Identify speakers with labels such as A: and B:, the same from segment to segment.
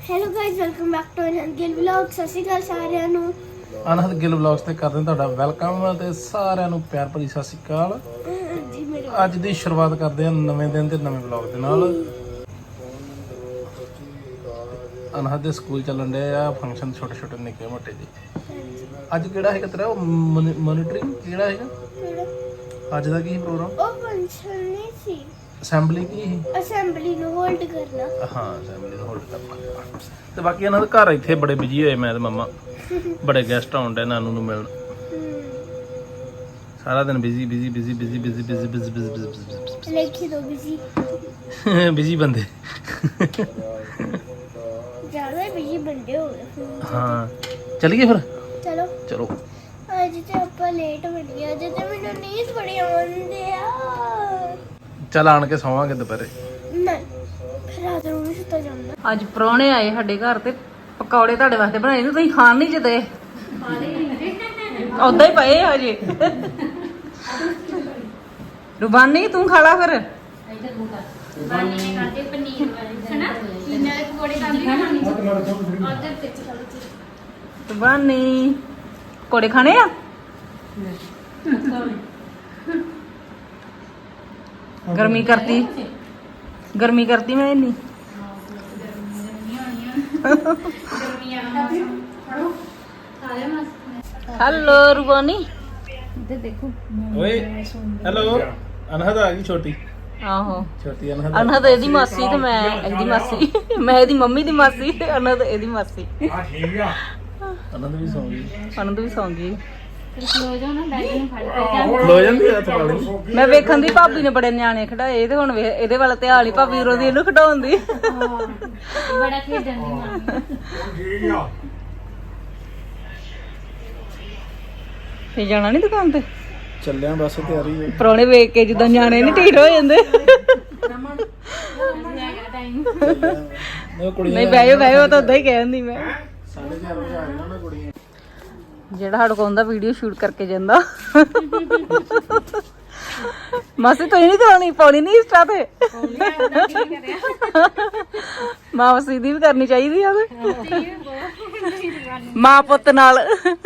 A: Hello guys welcome back to Anhad Gill vlog. ਸਤਿ ਸ਼੍ਰੀ ਅਕਾਲ ਸਾਰਿਆਂ ਨੂੰ।
B: ਅਨਹਦ ਗਿੱਲ ਵਲੌਗਸ ਤੇ ਕਰਦੇ ਹਾਂ ਤੁਹਾਡਾ ਵੈਲਕਮ ਤੇ ਸਾਰਿਆਂ ਨੂੰ ਪਿਆਰ ਭਰੀ ਸਤਿ ਸ਼੍ਰੀ ਅਕਾਲ।
A: ਜੀ ਮੇਰੇ
B: ਅੱਜ ਦੀ ਸ਼ੁਰੂਆਤ ਕਰਦੇ ਹਾਂ ਨਵੇਂ ਦਿਨ ਤੇ ਨਵੇਂ ਵਲੌਗ ਦੇ ਨਾਲ। ਅਨਹਦ ਦੇ ਸਕੂਲ ਚੱਲਣ ਦੇ ਆ ਫੰਕਸ਼ਨ ਛੋਟੇ ਛੋਟੇ ਨਿੱਕੇ ਮੋਟੇ ਜੀ। ਅੱਜ ਕਿਹੜਾ ਹੈਗਾ ਤੇਰਾ ਮੋਨੀਟਰਿੰਗ ਕਿਹੜਾ ਹੈਗਾ ਅੱਜ ਦਾ ਕੀ ਪ੍ਰੋਗਰਾਮ?
A: ਉਹ ਫੰਕਸ਼ਨ ਨਹੀਂ ਸੀ,
B: ਅਸੈਂਬਲੀ ਕੀ ਸੀ?
A: ਅਸੈਂਬਲੀ ਨੂੰ ਹੋਲਡ ਕਰਨਾ।
B: ਹਾਂ ਅਸੈਂਬਲੀ ਨੂੰ ਹੋਲਡ ਕਰਨਾ। ਤੇ ਬਾਕੀ ਇਹਨਾਂ ਦੇ ਘਰ ਇੱਥੇ ਬੜੇ ਬਿਜੀ ਹੋਏ ਮੈਂ ਤੇ ਮੰਮਾ, ਬੜੇ ਗੈਸਟ ਆਉਣ ਡੇ ਨਾਨੂ ਨੂੰ ਮਿਲਣ। ਸਾਰਾ ਦਿਨ busy busy busy busy busy busy busy busy
A: ਲਿਖੀ ਦੋ ਬਿਜੀ
B: ਬਿਜੀ ਬੰਦੇ।
A: ਜ਼ਿਆਦਾ ਬਿਜੀ ਬੰਦੇ ਹੋ ਗਏ।
B: ਹਾਂ ਚਲੀਏ ਫਿਰ।
A: ਚਲੋ
B: ਚਲੋ
A: ਅੱਜ ਤੇ ਆਪਾਂ ਲੇਟ ਬਣ ਗਏ। ਅੱਜ ਤੇ ਮੈਨੂੰ ਨੀਂਦ ਬੜੀ ਆਉਂਦੀ ਆ।
B: ਚੱਲ ਆਣ ਕੇ ਸੌਵਾਂਗੇ ਦੁਪਹਿਰੇ।
A: ਨਹੀਂ ਫਿਰ ਰਾਤ ਨੂੰ ਵੀ ਸੁੱਤਾ ਜਾਂਦਾ।
C: ਅੱਜ ਪ੍ਰਾਹੁਣੇ ਆਏ ਸਾਡੇ ਘਰ ਤੇ ਪਕੌੜੇ ਤੁਹਾਡੇ ਵਾਸਤੇ ਬਣਾਏ ਨੇ, ਤੁਸੀਂ ਖਾਣ ਨਹੀਂ ਜਦੇ ਉਦਾਂ ਹੀ ਪਏ ਆ ਅਜੇ। ਰੁਬਾਨੀ ਤੂੰ ਖਾ ਲਾ ਫਿਰ। ਰੁਬਾਨੀ ਪਕੌੜੇ ਖਾਣੇ ਆ? ਗਰਮੀ ਕਰਤੀ ਮੈਂ ਇੰਨੀ। ਹੈਲੋ ਰੁਬਾਨੀ ਇੱਧਰ ਦੇਖੋ।
B: ਓਏ ਹੈਲੋ ਅਨਹਦ ਆ ਗਈ ਛੋਟੀ
C: ਆਹੋ
B: ਛੋਟੀ ਅਨਹਦ।
C: ਅਨਹਦ ਇਹਦੀ ਮਾਸੀ ਤੇ ਮੈਂ ਇਹਦੀ ਮਾਸੀ, ਮੈਂ ਇਹਦੀ ਮੰਮੀ ਦੀ ਮਾਸੀ ਤੇ ਅਨਹਦ ਇਹਦੀ ਮਾਸੀ।
B: ਅਨਹਦ ਵੀ ਸੌਂ ਗਈ।
C: ਅਨਹਦ ਵੀ ਸੌਂ ਗਈ।
B: ਲੋ ਜਾਂਦੀ ਆ ਤੁਹਾਡੀ।
C: ਮੈਂ ਵੇਖਣ ਦੀ ਭਾਬੀ ਨੇ ਬੜੇ ਨਿਆਣੇ ਖਿਡਾਏ ਤੇ ਹੁਣ ਇਹਦੇ ਵੱਲ ਧਿਆਨ ਹੀ ਭਾਬੀ ਰੋਦੀ ਇਹਨੂੰ ਖਿਡਾਉਣ ਦੀ।
D: ਬੜਾ ਖੇਡਣ ਦੀ ਮਾਂ।
C: ਫੇ ਜਾਣਾ ਨਹੀਂ ਦੁਕਾਨ ਤੇ?
B: ਚੱਲਿਆ ਬਸ ਤਿਆਰੀ ਹੈ।
C: ਪ੍ਰਾਹੁਣੇ ਵੇਖ ਕੇ ਜਿੱਦਾਂ ਨਿਆਣੇ ਨਹੀਂ ਢੀਠ ਹੋ ਜਾਂਦੇ।
B: ਉਹ ਕੁੜੀਆਂ
C: ਨਹੀਂ ਬਹਿਓ ਤਾਂ ਉਦਾਂ ਹੀ ਕਹਿ ਦਿੰਦੀ ਮੈਂ।
B: 4:30 ਵਜੇ ਆ ਜਾਣਾ ਮੈਂ ਕੁੜੀਆਂ।
C: ਜਿਹੜਾ ਸਾਡੇ ਕੋਲ ਦਾ ਵੀਡੀਓ ਸ਼ੂਟ ਕਰਕੇ ਜਾਂਦਾ। ਮਾਸੀ ਤੂੰ ਨਹੀਂ ਪਾਉਣੀ ਨਹੀਂ ਇੰਸਟਾ ਤੇ। ਮਾਸੀ ਦੀ ਵੀ ਕਰਨੀ ਚਾਹੀਦੀ ਆ ਮਾਂ ਪੁੱਤ ਨਾਲ।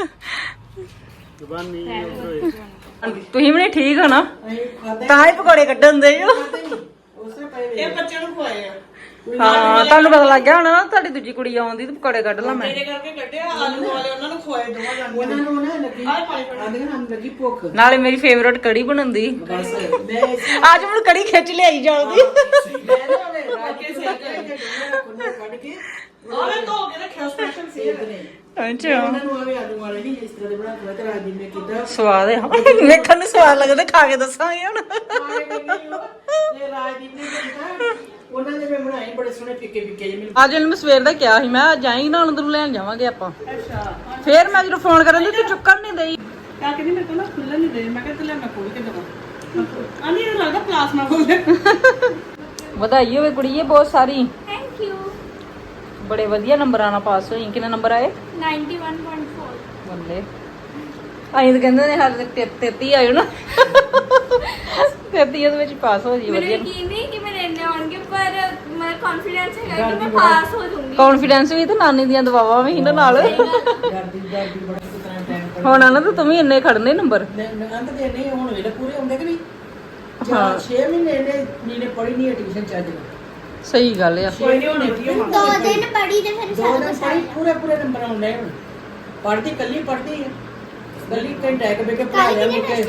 C: ਤੁਸੀਂ ਵੀ ਨਹੀਂ ਠੀਕ ਹੋ ਨਾ, ਤਾਂ ਹੀ ਪਕੌੜੇ ਕੱਢਣ ਦੇ ਜੋ।
E: ਇਹ ਬੱਚਿਆਂ ਨੂੰ ਖਵਾਏ ਆ।
C: ਹਾਂ ਤੁਹਾਨੂੰ ਪਤਾ ਲੱਗ ਗਿਆ ਹੋਣਾ ਨਾ ਤੁਹਾਡੀ ਦੂਜੀ ਕੁੜੀ ਆਉਂਦੀ ਤੇ ਪਕੌੜੇ ਕੱਢ ਲਾ ਮੈਂ।
E: ਮੇਰੇ ਕਰਕੇ ਕੱਢਿਆ ਆਲੂ ਵਾਲੇ ਉਹਨਾਂ ਨੂੰ ਖਵਾਏ ਦੋਵਾਂ ਜਾਣੀਆਂ। ਉਹਨਾਂ ਨੂੰ ਨਾ ਲੱਗੀ ਆਂਦੀਆਂ ਹਨ ਲੱਗੀ ਭੁੱਖ।
C: ਨਾਲੇ ਮੇਰੀ ਫੇਵਰਟ ਕੜੀ ਬਣਾਉਂਦੀ।
E: ਬਸ ਮੈਂ
C: ਅੱਜ ਮੈਨੂੰ ਕੜੀ ਖਿੱਚ ਲਿਆਈ ਜਾਉਂਦੀ।
E: ਮੈਂ ਨਾ ਉਹਨੇ ਰਾਕੇ ਸੇ ਕੱਢ ਕੇ ਆਲੇ ਧੋ ਕੇ ਰੱਖਿਆ ਸਪੈਸ਼ਲ ਸੇਵ ਨੇ।
C: ਅੱਛਾ
E: ਉਹਨਾਂ ਨੂੰ ਆਵੇ ਆਲੂ ਵਾਲੇ ਨਹੀਂ ਇਸ ਤਰ੍ਹਾਂ ਦੇ ਬਣਾ ਕੇ ਤੇ ਰਾਜਦੀਪ ਨੇ ਕੀਤਾ।
C: ਸਵਾਦ ਆ ਵੇਖਣ ਨੂੰ ਸਵਾਦ ਲੱਗਦਾ, ਖਾ ਕੇ ਦੱਸਾਂਗੇ ਹੁਣ।
E: ਤੇ ਰਾਜਦੀਪ ਨੇ ਕੀਤਾ ਉਹਨਾਂ ਦੇ ਮੈਂ ਬਣਾਏ ਬੜੇ ਸੋਹਣੇ ਫਿੱਕੇ ਫਿੱਕੇ ਜਿਹੇ। ਮੈਨੂੰ
C: ਅੱਜ ਇਹਨੂੰ ਮੈਂ ਸਵੇਰ ਦਾ ਕਿਹਾ ਸੀ ਮੈਂ ਜਾਏਂਗੀ ਨਾ ਅੰਦਰ ਲੈਣ ਜਾਵਾਂਗੇ ਆਪਾਂ। ਫੇਰ ਮੈਂ ਜਦੋਂ ਫੋਨ ਕਰਨ ਦੀ ਤੂੰ ਚੁੱਕਣ ਨਹੀਂ ਦੇਈ।
E: ਕਾ ਕਹਿੰਦੀ ਮੇਰੇ ਕੋਲ ਨਾ ਖੁੱਲ੍ਹਣ ਨਹੀਂ ਦੇ। ਮੈਂ ਕਿਹਾ ਤੇ ਲੈ ਮੈਂ ਖੋਲ ਕੇ ਦਵਾਂ। ਆਂਦੀ ਇਹ ਲੱਗਦਾ ਪਲਾਸ ਨਾ ਖੋਲ ਦੇ।
C: ਵਧਾਈ ਹੋਵੇ ਕੁੜੀਏ ਬਹੁਤ ਸਾਰੀ।
A: Thank you.
C: ਬੜੇ ਵਧੀਆ ਨੰਬਰਾਂ ਨਾਲ ਪਾਸ ਹੋਈ। ਕਿੰਨੇ ਨੰਬਰ ਆਏ?
A: 91.4।
C: ਬੱਲੇ ਅਸੀਂ ਤਾਂ ਕਹਿੰਦੇ ਨੇ ਹਾਲੇ ਤੱਕ 33 ਆਇਓ ਨਾ। 33 ਦੇ ਵਿੱਚ ਪਾਸ ਹੋ ਜੀ ਵਧੀਆ।
A: ਮੈਨੂੰ ਯਕੀਨ ਨਹੀਂ ਕਿ ਮੇਰੇ ਇੰਨੇ ਆਉਣਗੇ, ਪਰ ਮੇਰਾ ਕੌਨਫੀਡੈਂਸ ਹੈਗਾ ਕਿ ਮੈਂ ਪਾਸ ਹੋ ਜਾਊਂਗੀ।
C: ਕੌਨਫੀਡੈਂਸ ਵੀ ਤੇ ਨਾਨੀ ਦੀਆਂ ਦਵਾਵਾਂ ਵੀ ਇਹਨਾਂ ਨਾਲ।
E: ਡਰਦੀ ਬੜਾ ਕਿਤਨਾ ਟਾਈਮ
C: ਹੁਣ ਨਾ ਤੂੰ ਵੀ ਇੰਨੇ ਖੜਨੇ ਨੰਬਰ।
E: ਅੰਤ ਦੇ ਨਹੀਂ ਹੁਣ ਵੇਲੇ ਪੂਰੇ ਹੁੰਦੇ ਕਿ ਨਹੀਂ। 6 ਮਹੀਨੇ ਨੇ ਪੜੀ ਨਹੀਂ ਟਿਊਸ਼ਨ ਚੱਜ ਨਾਲ।
C: ਸਹੀ ਗੱਲ ਆ।
E: ਕੋਈ ਨਹੀਂ ਹੋਣੇ ਪੀਓ
A: 2 ਦਿਨ ਪੜੀ ਤੇ ਫਿਰ
E: ਦੋ ਦਿਨ ਪੜੀ ਪੂਰੇ ਨੰਬਰ ਆਉਂਦੇ ਹੁਣ। ਪੜਦੀ ਕੱਲੀ ਪੜਦੀ ਹੈ ਕੱਲੀ ਘੰਟਾ ਇੱਕ ਬੇ ਕੇ ਪੜਾ ਲਿਆ ਮੁਕੇ।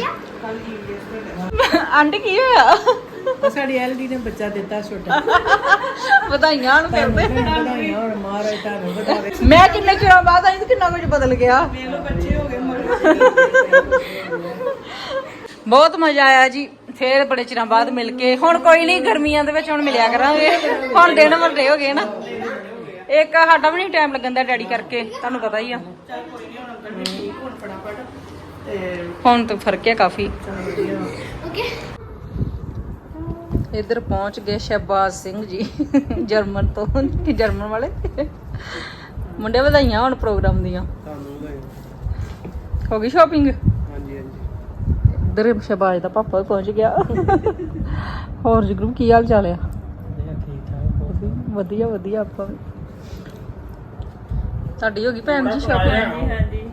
C: ਆਂਟੀ ਕੀ ਹੋਇਆ?
E: ਸਾਡੀ ਐਲਡੀ ਨੇ ਬੱਚਾ ਦਿੱਤਾ ਛੋਟਾ।
C: ਵਧਾਈਆਂ ਹੁਣ ਕਰਦੇ।
E: ਵਧਾਈਆਂ ਹੁਣ ਮਹਾਰਾਜ ਤੁਹਾਨੂੰ ਵਧਾਵੇ।
C: ਮੈਂ ਕਿੰਨੇ ਚਿਰਾਂ ਬਾਅਦ ਆਈ ਤੇ ਕਿੰਨਾ ਕੁਝ ਬਦਲ ਗਿਆ।
E: ਮੇਰੇ ਬੱਚੇ ਹੋ ਗਏ
C: ਬਹੁਤ ਮਜ਼ਾ ਆਇਆ ਜੀ। ਫੇਰ ਬੜੇ ਚਿਰਾਂ ਬਾਅਦ ਮਿਲ ਕੇ। ਹੁਣ ਕੋਈ ਨਹੀਂ ਗਰਮੀਆਂ ਦੇ ਵਿੱਚ ਹੁਣ ਮਿਲਿਆ ਕਰਾਂਗੇ। ਹੁਣ ਦਿਨ ਵੱਡੇ ਹੋ ਗਏ ਨਾ। ਇੱਕ ਸਾਡਾ ਵੀ ਨਹੀਂ ਟਾਈਮ ਲੱਗਣ ਦਾ ਡੈਡੀ ਕਰਕੇ, ਤੁਹਾਨੂੰ ਪਤਾ ਹੀ ਆ। ਹੁਣ ਤਾਂ ਫਰਕ ਹੈ ਕਾਫੀ।
A: ਓਕੇ
C: ਇੱਧਰ ਪਹੁੰਚ ਗਏ ਸ਼ਹਿਬਾਜ਼ ਸਿੰਘ ਜੀ ਜਰਮਨ ਤੋਂ। ਜਰਮਨ ਵਾਲੇ ਮੁੰਡੇ ਵਧਾਈਆਂ ਹੁਣ ਪ੍ਰੋਗਰਾਮ ਦੀਆਂ। ਹੋ ਗਈ ਸ਼ਾਪਿੰਗ?
B: ਹਾਂਜੀ ਹਾਂਜੀ।
C: ਇੱਧਰ ਸ਼ਹਿਬਾਜ਼ ਦਾ ਪਾਪਾ ਵੀ ਪਹੁੰਚ ਗਿਆ। ਹੋਰ ਜਗਰੂ ਕੀ ਹਾਲ ਚਾਲ ਆ?
B: ਠੀਕ ਠਾਕ।
C: ਵਧੀਆ ਵਧੀਆ ਆਪਾਂ ਵੀ। ਤੁਹਾਡੀ ਹੋ ਗਈ ਭੈਣ ਜੀ ਸ਼ਾਪਿੰਗ?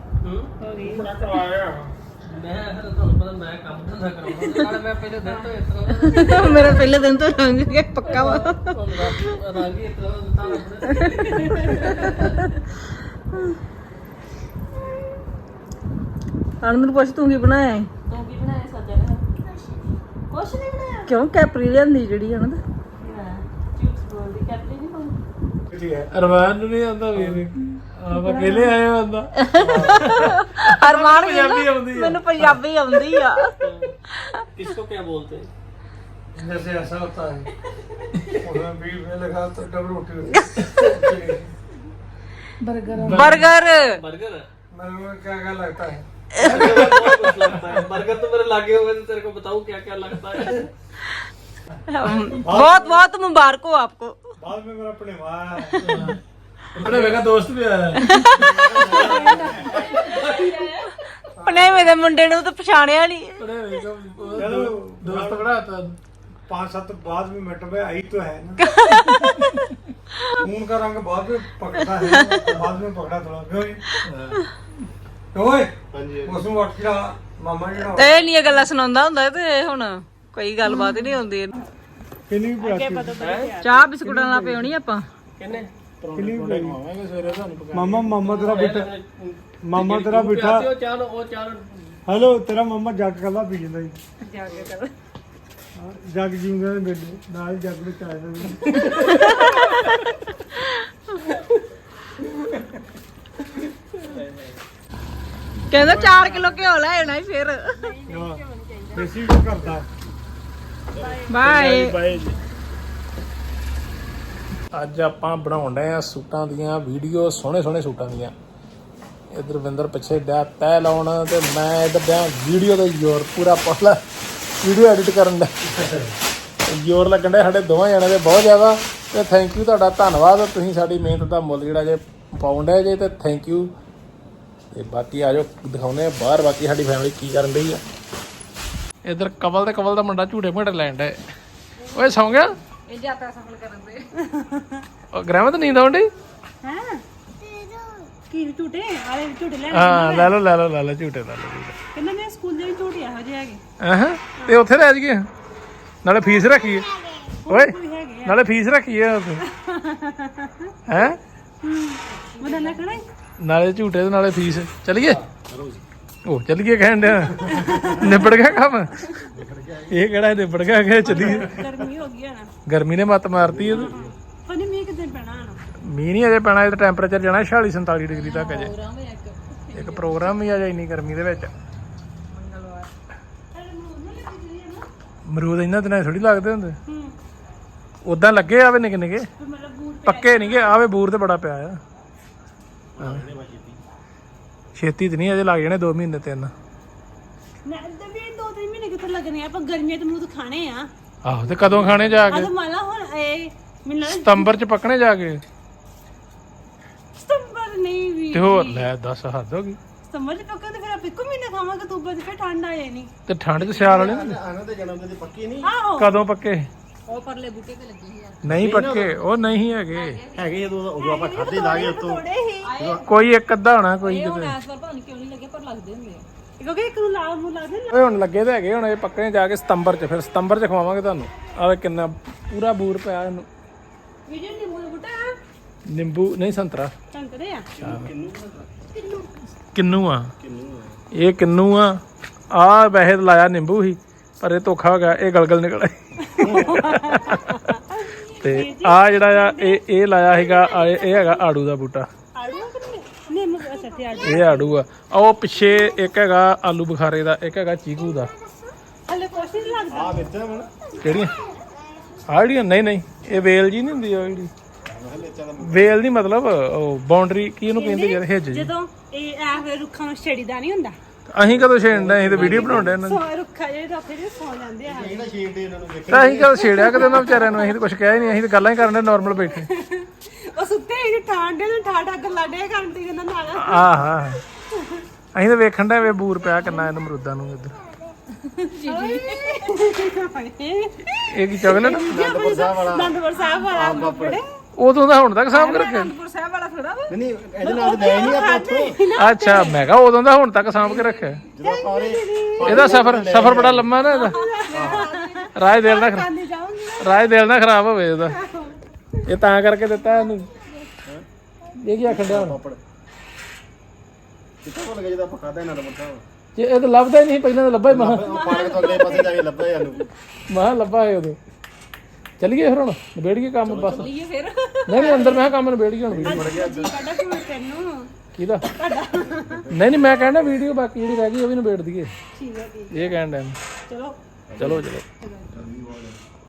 B: ਮੈਂ ਤੁਹਾਨੂੰ ਪਤਾ ਮੈਂ ਕੰਮ ਧੰਦਾ ਕਰਾਉਂਦਾ ਨਾਲ ਮੈਂ ਪਹਿਲੇ ਦਿਨ ਤੋਂ ਇਸ ਤਰ੍ਹਾਂ
C: ਮੇਰਾ ਪਹਿਲੇ ਦਿਨ ਤੋਂ ਰੰਗ ਗਿਆ ਪੱਕਾ ਵਾ।
B: ਰੰਗ ਹੀ ਇਸ ਤਰ੍ਹਾਂ
C: ਆਨੰਦ ਨੂੰ ਪੁੱਛ ਤੂੰ ਕੀ ਬਣਾਇਆ ਹੈ?
D: ਤੂੰ ਕੀ ਬਣਾਇਆ ਸੱਜਾ ਨੇ? ਕੁਛ ਨਹੀਂ ਬਣਾਇਆ।
C: ਕਿਉਂ ਕੈਪਰੀ ਲਿਆਂਦੀ ਜਿਹੜੀ ਆਨੰਦ?
D: ਚਿਪਸ ਬੋਲਦੀ ਕੈਪਰੀ ਨਹੀਂ ਪਾਉਂਦੀ।
B: ਠੀਕ ਹੈ ਅਰਮਾਨ ਨੂੰ ਨਹੀਂ ਆਉਂਦਾ ਵੀ ਆਪ ਅਕੇਲੇ ਆਏ ਹੋ ਆਂਦਾ
C: ਅਰਮਾਨ
B: ਪੰਜਾਬੀ ਆਉਂਦੀ ਆ।
C: ਮੈਨੂੰ ਪੰਜਾਬੀ ਆਉਂਦੀ ਆ।
B: इसको क्या बोलते हैं जैसे ऐसा होता है उसमें बीच में लगा तो डबल रोटी होती है
C: बर्गर
B: बर्गर मेरे को क्या क्या लगता है बहुत कुछ लगता है बर्गर तो मेरे लागे हुए तो तेरे को बताऊं क्या क्या लगता है
C: बहुत बहुत मुबारक हो आपको।
B: बाद में मेरा पड़ेवा बड़े मेरा दोस्त भी आया
C: ਪਨੇਵੇਂ ਦੇ ਮੁੰਡੇ ਨੂੰ ਤਾਂ ਪਛਾਣਿਆ ਨਹੀਂ।
B: दोस्त बड़ा था
F: 5-7 बाद में मिनट में आई तो है ना खून का रंग बाद में पकड़ता है बाद में पकड़ा थोड़ा क्यों जी ओए उसमें उठ के मामा जी
C: ਤੇ ਇਹ ਨਹੀਂ ਗੱਲਾਂ ਸੁਣਾਉਂਦਾ ਹੁੰਦਾ ਤੇ ਹੁਣ ਕੋਈ ਗੱਲਬਾਤ ਹੀ ਨਹੀਂ ਹੁੰਦੀ।
F: किन्नी भी
C: ਚਾਹ ਬਿਸਕੁਟਾਂ ਨਾਲ ਪਿਉਣੀ ਆਪਾਂ।
B: किन्ने
F: किन्नी भी
B: मामा सवेरे ਤੁਹਾਨੂੰ
F: मामा तेरा बेटा मामा तेरा बेटा
B: ਉਹ ਚਾਰ
F: हेलो तेरा मामा जग कला पी ਜਾਂਦਾ ਜੀ ਜਗ ਜੀਉਂਦੇ ਨੇ ਬੇਲੇ ਨਾਲ ਜਗ ਵਿੱਚ ਆਇਆ
C: ਕਹਿੰਦਾ 4 ਕਿਲੋ ਘਿਓ ਲੈ ਆਣਾ ਹੀ ਫਿਰ।
F: ਦੇਸੀ ਕੋ ਕਰਦਾ
C: ਬਾਏ।
B: ਬਾਏ ਜੀ। ਅੱਜ ਆਪਾਂ ਬਣਾਉਣ ਡਏ ਆ ਸੂਟਾਂ ਦੀਆਂ ਵੀਡੀਓ ਸੋਹਣੇ ਸੋਹਣੇ ਸੂਟਾਂ ਦੀਆਂ। ਇਧਰ ਵਿੰਦਰ ਪਿੱਛੇ ਡਿਆ ਤੈ ਲਾਉਣ ਤੇ ਮੈਂ ਇਧਰ ਡਿਆ ਵੀਡੀਓ ਦਾ ਜ਼ੋਰ ਪੂਰਾ ਪਹਲਾ ਵੀਡੀਓ ਐਡਿਟ ਕਰਨ ਦਾ ਜ਼ੋਰ ਲੱਗਣ ਡਿਆ ਸਾਡੇ ਦੋਵਾਂ ਜਣਿਆਂ ਦੇ ਬਹੁਤ ਜ਼ਿਆਦਾ। ਤੇ ਥੈਂਕ ਯੂ ਤੁਹਾਡਾ ਧੰਨਵਾਦ ਤੁਸੀਂ ਸਾਡੀ ਮਿਹਨਤ ਦਾ ਮੁੱਲ ਜਿਹੜਾ ਜੇ ਪਾਉਣ ਡਏ ਜੇ ਤੇ ਥੈਂਕ ਯੂ। ਤੇ ਬਾਕੀ ਆ ਜਾਓ ਦਿਖਾਉਂਦੇ ਆ ਬਾਹਰ ਬਾਕੀ ਸਾਡੀ ਫੈਮਿਲੀ ਕੀ ਕਰਨ ਡਈ ਆ। ਇਧਰ ਕਵਲ ਤੇ ਕਵਲ ਦਾ ਮੁੰਡਾ ਝੂਟੇ ਮੂਟੇ ਲੈਣ ਡਿਆ। ਓਏ ਸੌਂ ਗਿਆ
C: ਇਹ ਯਾਤਰਾ ਸਫਲ ਕਰਨ ਦੇ।
B: ਉਹ ਗ੍ਰਹਿਮਤ ਨੀਂਦ ਆਉਣ ਡਈ
D: ਹਾਂ ਕੀ ਝੂਟੇ ਆਲੇ ਝੂਟੇ ਲੈ
B: ਹਾਂ ਲੈ ਲਓ ਝੂਟੇ ਲੈ ਲਓ
D: ਕਹਿੰਦਾ ਮੈਂ ਸਕੂਲ ਦੇ ਝੂਟੇ ਇਹੋ ਜਿਹੇ ਹੈਗੇ
B: ਹਾਂ ਤੇ ਉੱਥੇ ਰਹਿ ਜੀਏ ਨਾਲੇ ਫੀਸ ਰੱਖੀਏ ਓਏ ਨਾਲੇ ਫੀਸ ਰੱਖੀਏ ਉੱਥੇ ਹੈ
D: ਮਦਨ ਨਾ ਖੜਾ
B: ਨਾਲੇ ਝੂਟੇ ਤੇ ਨਾਲੇ ਫੀਸ ਚਲੀਏ ਉਹ ਚਲੀਏ ਕਹਿਣ ਡਿਆ ਨਿਬੜ ਗਿਆ ਕੰਮ ਇਹ ਕਿਹੜਾ ਨਿਬੜ ਗਿਆ ਕਿ ਚੱਲੀਏ
D: ਗਰਮੀ ਹੋ ਗਈ ਨਾ
B: ਗਰਮੀ ਨੇ ਮੱਤ ਮਾਰਤੀ ਇਹ
D: ਪਨੀ ਮੀਂਹ ਕਿਤੇ ਪੈਣਾ ਨਾ
B: ਮੀਂਹ ਨਹੀਂ ਅਜੇ ਪੈਣਾ ਇਹਦਾ ਟੈਂਪਰੇਚਰ ਜਾਣਾ 46-47 ਡਿਗਰੀ ਤੱਕ ਅਜੇ ਇੱਕ ਪ੍ਰੋਗਰਾਮ ਵੀ ਆ ਜਾ ਇੰਨੀ ਗਰਮੀ ਦੇ ਵਿੱਚ ਅਮਰੂਦ ਇਹਨਾਂ ਦਿਨਾਂ ਥੋੜੀ ਲੱਗਦੇ ਹੁੰਦੇ ਉਦਾਂ ਲੱਗੇ ਆਵੇ ਨਿੱਕੇ ਨਿੱਕੇ ਪੱਕੇ ਨਹੀਂਗੇ ਆਵੇ ਬੂਰ ਤੇ ਬੜਾ ਪਿਆ ਆ ਛੇਤੀ ਤੇ ਨਹੀਂ ਅਜੇ ਲੱਗ ਜਾਣੇ 2 ਮਹੀਨੇ 3
D: ਨਾ ਵੀ 2-3 ਮਹੀਨੇ ਕਿੱਥੇ ਲੱਗਣੇ ਆਪਾਂ ਗਰਮੀਆਂ ਤੇ ਮੂੰਹ ਖਾਣੇ ਆ
B: ਆਹੋ ਤੇ ਕਦੋਂ ਖਾਣੇ ਜਾ ਕੇ
D: ਆ ਮਾਲਾ ਹੁਣ ਇਹ ਮੈਨੂੰ
B: ਸਤੰਬਰ ਚ ਪੱਕਣੇ ਜਾ ਕੇ
D: ਸਤੰਬਰ ਨਹੀਂ ਵੀ
B: ਤੇ ਹੋਰ ਲੈ 10 ਹੱਦ ਹੋ ਗਈ
D: ਸਤੰਬਰ ਚ ਪੱਕਾ ਤੇ ਫਿਰ ਆਪਾਂ ਇੱਕੋ ਮਹੀਨੇ ਖਾਵਾਂਗੇ ਅਕਤੂਬਰ ਚ ਫਿਰ ਠੰਡ ਆ ਜਾਣੀ
B: ਤੇ ਠੰਡ ਚ ਸਿਆਲ ਵਾਲੇ
D: ਆਹੋ
B: ਕਦੋਂ ਪੱਕੇ
C: ਉਹ ਪਰਲੇ ਬੂਟੇ ਤੇ ਲੱਗੇ ਸੀ
B: ਨਹੀਂ ਪੱਕੇ ਉਹ ਨਹੀਂ ਹੈਗੇ
F: ਹੈਗੇ ਉਦੋਂ ਆਪਾਂ ਖਾਦੇ ਲਾਗੇ ਉਤੋਂ
D: ਥੋੜੇ ਹੀ
B: ਕੋਈ ਇੱਕ ਅੱਧਾ ਹੋਣਾ ਕੋਈ ਕਿਤੇ
C: ਇਸ ਵਾਰ ਪਤਾ ਨਹੀਂ ਕਿਉਂ ਨਹੀਂ ਲੱਗੇ ਪਰ ਲੱਗਦੇ ਹੁੰਦੇ ਆ।
D: ਕਿਉਂਕਿ ਇੱਕ ਨੂੰ ਲਾਲ ਨੂੰ ਲੱਗਦੇ ਨਾ
B: ਓਏ ਹੁਣ ਲੱਗੇ ਤਾਂ ਹੈਗੇ ਹੁਣ ਇਹ ਪੱਕਣੇ ਜਾ ਕੇ ਸਤੰਬਰ ਚ ਫਿਰ ਸਤੰਬਰ ਚ ਖਵਾਵਾਂਗੇ ਤੁਹਾਨੂੰ ਆਵੇ ਕਿੰਨਾ ਪੂਰਾ ਬੂਰ ਪਿਆ ਇਹਨੂੰ
D: ਵੀਡੀਓ ਨਿੰਬੂ ਦਾ ਬੂਟਾ
B: ਨਿੰਬੂ ਨਹੀਂ ਸੰਤਰਾ
D: ਸੰਤਰੇ ਆ
B: ਕਿੰਨੂ ਆ ਇਹ ਕਿੰਨੂ ਆ ਵੈਸੇ ਤਾਂ ਲਾਇਆ ਨਿੰਬੂ ਹੀ ਪਰ ਇਹ ਧੋਖਾ ਹੋ ਗਿਆ ਇਹ ਗਲਗਲ ਨਿਕਲ ਤੇ ਆ ਜਿਹੜਾ ਆ ਇਹ ਲਾਇਆ ਹੈਗਾ ਇਹ ਹੈਗਾ ਆੜੂ ਦਾ ਬੂਟਾ
D: ਆੜੂ ਨਿੰਬੂ ਅੱਛਾ ਤੇ ਆੜੂ
B: ਇਹ ਆੜੂ ਆ ਉਹ ਪਿੱਛੇ ਇੱਕ ਹੈਗਾ ਆਲੂ ਬੁਖਾਰੇ ਦਾ ਇੱਕ ਹੈਗਾ ਚੀਕੂ ਦਾ
D: ਹਲੇ ਕੁਛ ਨਹੀਂ ਲੱਗਦਾ
F: ਆ ਵਿੱਚ ਹੁਣ
B: ਕਿਹੜੀਆਂ ਆਹ ਜਿਹੜੀਆਂ ਨਹੀਂ ਇਹ ਵੇਲ ਜੀ ਨਹੀਂ ਹੁੰਦੀ ਉਹ ਜਿਹੜੀ ਵੇਲ ਨਹੀਂ ਮਤਲਬ ਉਹ ਬਾਉਂਡਰੀ ਕੀ ਇਹਨੂੰ ਕਹਿੰਦੇ ਯਾਰ ਹਿੱਜ ਜੀ
D: ਜਦੋਂ ਇਹ ਐ ਰੁੱਖਾਂ ਨੂੰ ਛੇੜੀਦਾ ਨਹੀਂ ਹੁੰਦਾ
B: ਅਸੀਂ ਕਦੋਂ ਛੇੜਨਾ ਅਸੀਂ ਤਾਂ ਵੀਡੀਓ ਬਣਾਉਂਦੇ ਇਹਨਾਂ ਦੀ
D: ਸੋ ਰੁੱਖਾ ਜਿਹੜੇ ਰੱਖੇ ਜਿਹੜੇ ਸੌ ਜਾਂਦੇ ਆ
F: ਇਹਨਾਂ ਸ਼ੇਡ ਦੇ ਇਹਨਾਂ ਨੂੰ ਵੇਖ
B: ਤਾਂ ਅਸੀਂ ਕਦੋਂ ਛੇੜਿਆ ਕਦੇ ਉਹਨਾਂ ਵਿਚਾਰਿਆਂ ਨੂੰ ਅਸੀਂ ਤਾਂ ਕੁਝ ਕਿਹਾ ਹੀ ਨਹੀਂ ਅਸੀਂ ਤਾਂ ਗੱਲਾਂ ਹੀ ਕਰਨ ਦੇ ਨਾਰਮਲ ਬੈਠੇ
D: ਉਹ ਸੁੱਤੇ ਹੀ ਠਾਂਡੇ ਨੂੰ ਠਾਠਾ ਗੱਲਾਂ ਡੇ ਕਰਨ ਤੇ ਇਹਨਾਂ ਨਾਲ
B: ਆਹ ਅਸੀਂ ਤਾਂ ਵੇਖਣ ਦਾ ਵੇ ਬੂਰ ਪਿਆ ਕਿੰਨਾ ਇਹਨਾਂ ਅਮਰੂਦਾਂ ਨੂੰ ਇੱਧਰ ਇਹ ਕੀ ਚਾਕਲੇਟ
D: ਅਨੰਦਪੁਰ ਸਾਹਿਬ ਵਾਲਾ ਕੱਪੜੇ
B: ਉਦੋਂ ਦਾ ਹੁਣ ਤੱਕ ਸਾਂਭ ਕੇ ਰੱਖਿਆ
D: ਅਨੰਦਪੁਰ ਸਾਹਿਬ ਵਾਲਾ ਥੋੜਾ ਵਾ
G: ਨਹੀਂ ਇਹਦੇ ਨਾਲ ਲੈ ਨਹੀਂ ਆਪਾਂ ਉੱਥੋਂ
B: ਅੱਛਾ ਮੈਂ ਕਿਹਾ ਉਦੋਂ ਦਾ ਹੁਣ ਤੱਕ ਸਾਂਭ ਕੇ ਰੱਖਿਆ
G: ਜਦੋਂ ਆਪਾਂ ਉਹਦੇ
B: ਇਹਦਾ ਸਫਰ ਬੜਾ ਲੰਮਾ ਨਾ ਇਹਦਾ ਰਾਜ ਦਿਲ ਨਾ
D: ਖਾਣੇ ਜਾਊਂਗੀ
B: ਰਾਜ ਦਿਲ ਨਾ ਖਰਾਬ ਹੋਵੇ ਇਹਦਾ ਇਹ ਤਾਂ ਕਰਕੇ ਦਿੱਤਾ ਇਹਨੂੰ ਇਹ ਕੀ ਆਖਣ ਡਿਆ ਹੁਣ
G: ਪਾਪੜ ਕਿੱਥੇ ਭੁੱਲ ਗਏ ਜਦੋਂ ਆਪਾਂ ਖਾਦਾ ਇਹਨਾਂ ਦਾ ਮੁੱਠਾ
B: ਜੇ ਇਹ ਤਾਂ ਲੱਭਦਾ ਹੀ ਨਹੀਂ ਪਹਿਲਾਂ ਤਾਂ ਲੱਭਾ ਹੀ ਮਹਾ
G: ਉਹ ਪਾਣੀ ਤੋਂ ਅਗਲੇ ਪਾਸੇ ਜਾ ਕੇ ਲੱਭਿਆ ਸਾਨੂੰ
B: ਮਹਾ ਲੱਭਾ ਹੈ ਉਦੋਂ ਚੱਲੀਏ ਫਿਰ ਹੁਣ ਨਿਬੇੜੀਏ ਕੰਮ ਬਸ
C: ਇਹ ਫਿਰ
B: ਨਹੀਂ ਅੰਦਰ ਮੈਂ ਕਿਹਾ ਕੰਮ ਨਿਬੇੜੀਏ ਹੁਣ ਵੀਡੀਓ
D: ਸਾਡਾ ਫੋਨ ਤੈਨੂੰ
B: ਕਿਹਦਾ ਨਹੀਂ ਮੈਂ ਕਹਿੰਦਾ ਵੀਡੀਓ ਬਾਕੀ ਜਿਹੜੀ ਰਹਿ ਗਈ ਉਹ ਵੀ ਨਿਬੇੜ ਦਈਏ
D: ਠੀਕ ਹੈ ਜੀ
B: ਇਹ ਕਹਿਣ ਡਿਆ
D: ਚਲੋ
B: ਚਲੋ